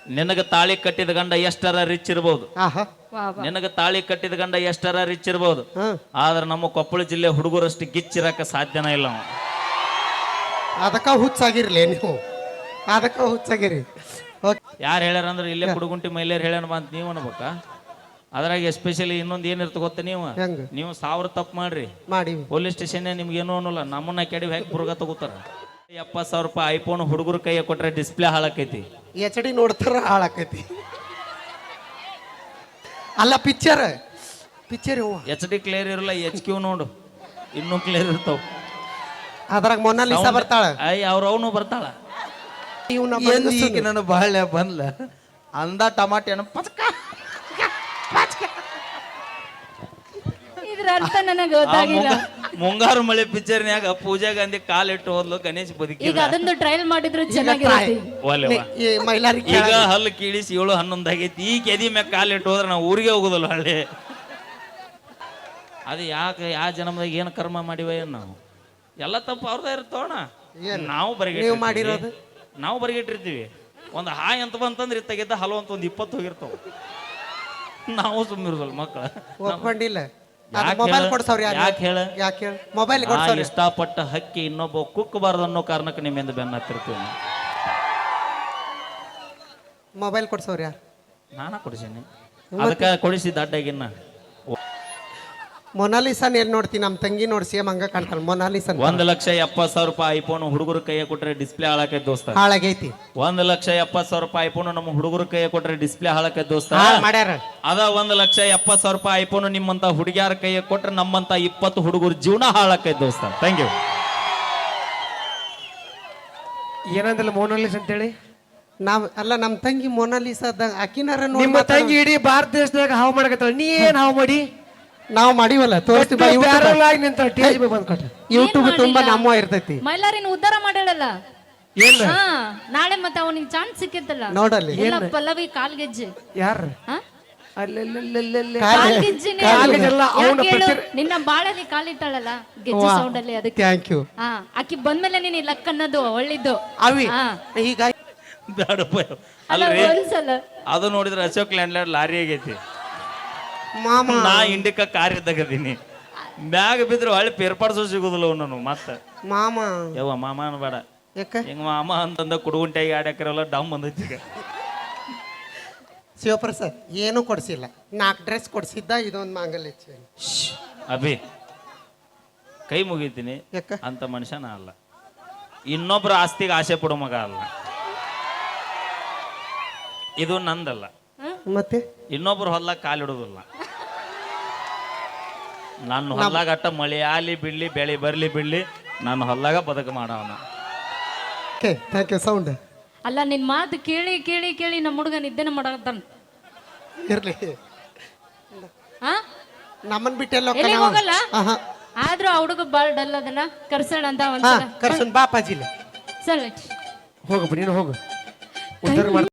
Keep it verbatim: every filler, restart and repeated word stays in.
ನಿನಗ ತಾಳಿ ಕಟ್ಟಿದ ಗಂಡ ಎಷ್ಟರ ರಿಚ್ ಇರ್ಬೋದು, ಆಹಾ ನಿನಗ ತಾಳಿ ಕಟ್ಟಿದ ಗಂಡ ಎಷ್ಟರ ರಿಚ್ ಇರ್ಬೋದು, ಹಾ ಆದ್ರೆ ನಮ್ಮ ಕೊಪ್ಪಳ ಜಿಲ್ಲೆ ಹುಡುಗರಷ್ಟು ಗಿಚ್ಚಿರಕ ಸಾಧ್ಯನ ಇಲ್ಲ ಅವ. ಅದಕ್ಕ ಹುಚ್ಚಾಗಿರ್ಲಿ ನೀವು, ಅದಕ್ಕ ಹುಚ್ಚಾಗಿರಿ. ಓಕೆ ಯಾರು ಹೇಳ್ಯಾರ ಅಂದ್ರೆ ಇಲ್ಲೇ ಕುಡುಗುಂಟಿ ಮಹಿಳೆಯರು ಹೇಳ್ಯಾರ ಅಂತ ನೀವು ಅನ್ಬೇಕಾ? ಅದ್ರಾಗ ಎಸ್ಪೆಷಲಿ ಇನ್ನೊಂದು ಏನಿರ್ತ ಗೊತ್ತ, ನೀವು ಹೆಂಗ ನೀವು ಸಾವಿರ ತಪ್ಪು ಮಾಡ್ರಿ ಮಾಡಿ ಪೊಲೀಸ್ ಸ್ಟೇಷನ್ ನಿಮ್ಗೆ ಏನೂ ಅನ್ನೋಲ್ಲ, ನಮ್ಮನ್ನ ಕೆಡವಿ ಹಾಕಿ ಬುರ್ಗ ತಗೋತಾರ. ಎಪ್ಪತ್ತು ಸಾವಿರ ರೂಪಾಯಿ ಐಫೋನ್ ಹುಡುಗರ ಕೈಯ ಕೊಟ್ರೆ ಡಿಸ್ಪ್ಲೇ ಹಾಳಾಕೈತಿ. ಎಚ್ ಡಿ ನೋಡ್ತಾರ ಹಾಳಾಕೈತಿ. ಅಲ್ಲ ಪಿಕ್ಚರ್ ಪಿಕ್ಚರ್ ಎಚ್ ಡಿ ಕ್ಲಿಯರ್ ಇರಲ್ಲ, ಎಚ್ ಕ್ಯೂ ನೋಡು ಇನ್ನೂ ಕ್ಲಿಯರ್ ಇರ್ತಾವ. ಅದ್ರಾಗ ಮೊನಾಲಿಸಾ ಬರ್ತಾಳ, ಐ ಅವ್ರ ಅವನು ಬರ್ತಾಳ. ಈಗ ನಾನು ಬಾಳ್ಯ ಬಂದ್ಲ ಅಂದ ಟಮಾಟೆನ ಪಚಕ ಇದ್ರ ಅರ್ಥ ನನಗೆ ಗೊತ್ತಾಗಿಲ್ಲ. ಮುಂಗಾರು ಮಳೆ ಪಿಕ್ಚರ್ನ್ಯಾಗ ಪೂಜಾ ಗಾಂಧಿ ಕಾಲಿಟ್ಟು ಹೋದ್ಲು, ಗಣೇಶ್ ಬದುಕಿ. ಈಗ ಅದೊಂದು ಟ್ರಯಲ್ ಮಾಡಿದ್ರೆ ಚೆನ್ನಾಗಿರುತ್ತೆ. ಈ ಮೈಲಾರಿ ಈಗ ಹಲ್ಲು ಕೀಳಿಸಿ ಏಳು ಹನ್ನೊಂದು ಆಗೈತಿ, ಈ ಕೆದಿ ಮ್ಯಾಗ ಕಾಲಿಟ್ಟು ಹೋದ್ರೆ ನಾವು ಊರಿಗೆ ಹೋಗುದಲ್ಲ ಹಳ್ಳಿ. ಅದು ಯಾಕೆ ಯಾವ ಜನ್ಮದಾಗ ಏನು ಕರ್ಮ ಮಾಡಿವ ಏನು ನಾವು? ಎಲ್ಲ ತಪ್ಪು ಅವ್ರದೇ ಇರ್ತೋಣ. ನಾವು ಬರಗೆ ನೀವು ಮಾಡಿರೋದು ನಾವು ಬರಗಿಟ್ಟಿರ್ತೀವಿ. ಒಂದು ಹಾಯ್ ಅಂತ ಬಂತಂದ್ರೆ ಇತ್ತಾಗಿದ್ದ ಹಲವು ಅಂತ ಒಂದು ಇಪ್ಪತ್ತು ಹೋಗಿರ್ತಾವ. ನಾವು ಸುಮ್ಮಿರೋದಲ್ಲ ಮಕ್ಕಳ. ಒಪ್ಕೊಂಡಿಲ್ಲ. ಮೊಬೈಲ್ ಕೊಡ್ಸವ್ರಿ ಯಾಕೆ ಹೇಳ? ಯಾಕೆ ಹೇಳ? ಮೊಬೈಲ್ ಕೊಡ್ಸವ್ರಿ. ಇಷ್ಟಪಟ್ಟ ಹಕ್ಕಿ ಇನ್ನೊಬ್ಬ ಕುಕ್ಕಬಾರ್ದು ಅನ್ನೋ ಕಾರಣಕ್ಕೆ ನಿಮ್ಮಿಂದ ಬೆನ್ನ ಹತ್ತಿರ್ತೀವಿ. ಮೊಬೈಲ್ ಕೊಡ್ಸವ್ರಿ ಯಾರು? ನಾನಾ ಕೊಡಿಸೀನಿ, ಅದಕ್ಕೆ ಕೊಡಿಸಿದ್ದ ಅಡ್ಡಾಗಿನ್ನ. ಮೊನಾಲಿಸನ್ ಏನ್ ನೋಡ್ತೀನಿ, ನಮ್ಮ ತಂಗಿ ನೋಡಿ ಸೇಮ್ ಹಂಗ ಕಾಣ್ತಾಳ ಮೊನಾಲಿಸನ್. ಒಂದ್ ಲಕ್ಷ ಎಪ್ಪತ್ತು ಸಾವಿರ ರೂಪಾಯಿ ಐಫೋನ್ ಹುಡುಗರ ಕೈಯ ಕೊಟ್ರೆ ಡಿಸ್ಪ್ಲೇ ಹಾಳಾಕೈತಿ ದೋಸ್ತ. ಹಾಳಾಗೈತಿ. ಒಂದ್ ಲಕ್ಷ ಎಪ್ಪತ್ತು ಸಾವಿರ ರೂಪಾಯಿ ಐಫೋನ್ ನಮ್ಮ ಹುಡುಗರ ಕೈಯ ಕೊಟ್ರೆ ಡಿಸ್ಪ್ಲೇ ಹಾಳಾಕೈತಿ ದೋಸ್ತ. ಮಾಡ್ಯಾರ. ಅದ ಒಂದ್ ಲಕ್ಷ ಎಪ್ಪತ್ತು ಸಾವಿರ ರೂಪಾಯಿ ಐಫೋನ್ ನಿಮ್ಮಂತ ಹುಡುಗಿಯಾರ ಕೈಯ ಕೊಟ್ರೆ ನಮ್ಮಂತ ಇಪ್ಪತ್ತು ಹುಡುಗರ ಜೀವನ ಹಾಳಾಕೈತಿ ದೋಸ್ತ. Thank you. ಏನಂದಿಲ್ಲ ಮೋನಾಲಿಸ್ ಅಂತೇಳಿ. ನಾವ್ ಅಲ್ಲ ನಮ್ಮ ತಂಗಿ ಮೊನಾಲಿಸದ ಅಕಿನಾರ ನಿಮ್ಮ ತಂಗಿ ಇಡೀ ಭಾರತ ದೇಶದಾಗ ಹಾವು ಮಾಡಕತ್ತಾಳ, ನೀ ಏನ್ ಹಾವು ಮಾಡಿ? ನಾವು ಮಾಡಿವಲ್ಲ ತೋರಿಸ್ತೀವಿ. ಯೂಟ್ಯೂಬ್ ತುಂಬಾ ನಮ್ಮ ಇರ್ತೈತಿ. ಮೈಲಾರಿನ ಉದ್ಧಾರ ಮಾಡಲ್ಲ. ಏನ್ ನಾಳೆ ಮತ್ತೆ ಅವನಿಗೆ ಚಾನ್ಸ್ ಸಿಕ್ಕಿತ್ತಲ್ಲ ನೋಡಲ್ಲಿ ಎಲ್ಲ ಪಲ್ಲವಿ ಕಾಲ್ಗೆಜ್ಜೆ. ಯಾರ ಹಾ? ಅಲ್ಲೆಲ್ಲೆಲ್ಲೆಲ್ಲೆ. ಕಾಲ್ಗೆಜ್ಜೆನೇ ಕಾಲ್ಗೆಜ್ಜೆಲ್ಲ ಅವ್ನ ಯಾಕೆ ಹೇಳು? ಪ್ರತಿ- ನಿನ್ನ ಬಾಳಲ್ಲಿ ಕಾಲಿಟ್ಟಾಳಲ್ಲ ಗೆಜ್ಜೆ ಸೌಂಡ್ ಅಲ್ಲಿ, ಅದಕ್ಕೆ. Thank you. ಹಾ, ಆಕಿ ಬಂದ್ಮೇಲೆ ನೀನ್ ಲಕ್ ಅನ್ನೋದು ಒಳ್ಳಿದ್ದು. ಅವಿ ಹಾ. ಈಗ ಬ್ಯಾಡಪ್ಪ. ಅಲ್ಲ ಅಲ್ರಿ ಒಂದ್ಸಲ ಅದು ನೋಡಿದ್ರೆ ಅಶೋಕ್ ಲ್ಯಾಂಡ್ ಲಾರಿ ಆಗೈತಿ. ಮಾಮ ನಾ ಇಂಡಿಕ ಕಾರ್ ಇದ್ದಾಗದೀನಿ, ಬ್ಯಾಗ್ ಬಿದ್ರೆ ಹೊಳ್ಳಿ ಪೇರ್ಪಾಡ್ಸೋ ಸಿಗುದಿಲ್ಲ ಅವನು ಮತ್ತೆ. ಮಾಮ ಯವ್ವ ಮಾಮ ಅನ್ಬೇಡ. ಯಾಕ ಹಿಂಗ ಮಾಮ ಅಂತಂದ ಕುಡುಗುಂಟಾಗಿ ಆಡ್ಯಾಕರಲ್ಲ ಡಮ್ ಬಂದೈತಿ. ಈಗ ಶಿವಪ್ರಸಾದ್ ಏನೂ ಕೊಡ್ಸಿಲ್ಲ, ನಾಲ್ಕು ಡ್ರೆಸ್ ಕೊಡ್ಸಿದ್ದ, ಇದೊಂದು ಮಾಂಗಲ್ಯ ಚೈನ್. ಅಭಿ ಕೈ ಮುಗಿತೀನಿ, ಯಾಕ ಅಂತ ಮನುಷ್ಯ ನಾ ಅಲ್ಲ. ಇನ್ನೊಬ್ರ ಆಸ್ತಿಗೆ ಆಸೆ ಪಡೋ ಮಗ ಅಲ್ಲ. ಇದು ನಂದಲ್ಲ, ಮತ್ತೆ ಇನ್ನೊಬ್ರು ಹೊಲ್ದಾಗ ಕಾಲಿಡೋದಿಲ್ಲ. ನನ್ನ ಹೊಲ್ದಾಗ ಅಟ್ಟ ಮಳೆ ಆಲಿ ಬಿಡ್ಲಿ ಬೆಳೆ ಬರ್ಲಿ ಬಿಡ್ಲಿ ನಾನು ಹೊಲ್ದಾಗ ಬದುಕು ಮಾಡವನ. Okay thank you. ಸೌಂಡ್ ಅಲ್ಲ ನಿನ್ ಮಾತು ಕೇಳಿ ಕೇಳಿ ಕೇಳಿ ನಮ್ಮ ಹುಡುಗ ನಿದ್ದೆನ ಮಾಡಕತ್ತಾನ. ಇರ್ಲಿ, ಹಾ, ನಮ್ಮನ್ ಬಿಟ್ಟೆಲ್ಲ ಎಲ್ಲಿ ಹೋಗಲ್ಲ. ಆದ್ರೂ ಆ ಹುಡುಗ ಬಾಳ ಡಲ್ ಅದನ್ನ ಕರ್ಸೋಣ ಅಂತ ಒಂದ್ಸಲ. ಕರ್ಸನ್ ಬಾಪಾಜಿಲ್ಲ ಸರಿ ಹೋಗಪ್ಪ ನೀನು ಹೋಗು, ಉದ್ಧಾರ